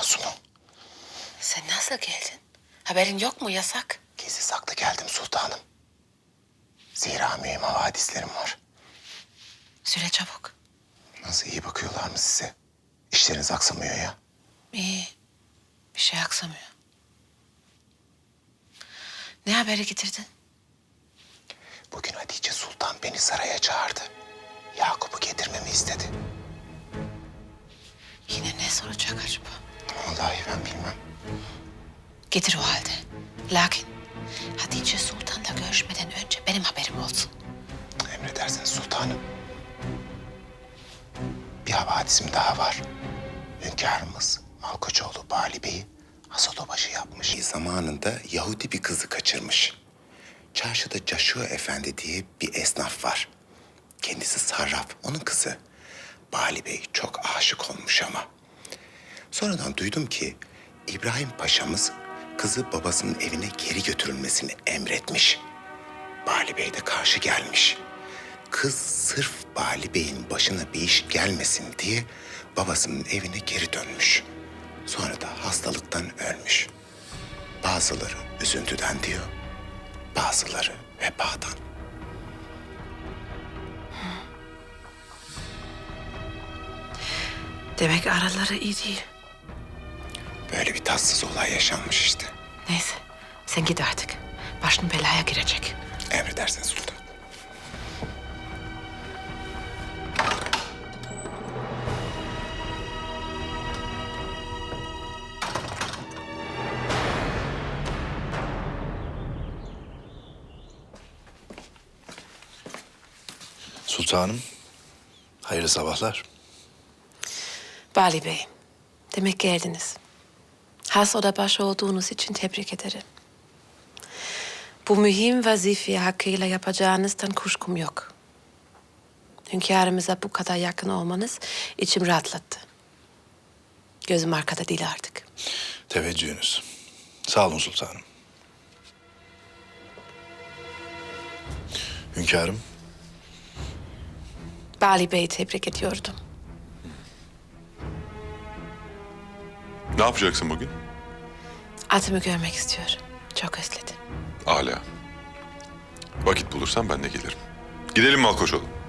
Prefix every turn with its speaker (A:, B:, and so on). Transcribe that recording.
A: Asuman.
B: Sen nasıl geldin? Haberin yok mu, yasak?
A: Gizli saklı geldim sultanım. Zira mühim havadislerim var.
B: Süre çabuk.
A: Nasıl iyi bakıyorlar mı size? İşleriniz aksamıyor ya.
B: İyi. Bir şey aksamıyor. Ne haberi getirdin?
A: Bugün Hatice Sultan beni saraya çağırdı. Yakup'u getirmemi istedi.
B: Yine ne soracak acaba?
A: Vallahi ben bilmem.
B: Getir o halde. Lakin Hatice Sultan'la görüşmeden önce benim haberim olsun.
A: Emredersiniz sultanım. Bir havadisim daha var. Hünkârımız Malkoçoğlu Bali Bey'i Hasadobaşı yapmış. Zamanında Yahudi bir kızı kaçırmış. Çarşıda Caşua Efendi diye bir esnaf var. Kendisi sarraf, onun kızı. Bali Bey çok aşık olmuş ama. Sonradan duydum ki İbrahim Paşa'mız kızı babasının evine geri götürülmesini emretmiş. Bali Bey de karşı gelmiş. Kız sırf Bali Bey'in başına bir iş gelmesin diye babasının evine geri dönmüş. Sonra da hastalıktan ölmüş. Bazıları üzüntüden diyor, bazıları vebadan.
B: Demek araları iyi değil.
A: Böyle bir tatsız olay yaşanmış işte.
B: Neyse, sen git artık. Başın belaya girecek.
A: Emredersiniz sultan.
C: Sultanım, hayırlı sabahlar.
B: Bali Bey, demek geldiniz. Has odabaşı olduğunuz için tebrik ederim. Bu mühim vazifeyi hakkıyla yapacağınızdan kuşkum yok. Hünkârımıza bu kadar yakın olmanız içim rahatlattı. Gözüm arkada değil artık.
C: Teveccühünüz. Sağ olun sultanım. Hünkârım,
B: Bali Bey'i tebrik ediyordum.
D: Ne yapacaksın bugün?
B: Atımı görmek istiyorum. Çok özledim.
D: Âlâ. Vakit bulursan ben de gelirim. Gidelim Malkoçoğlu.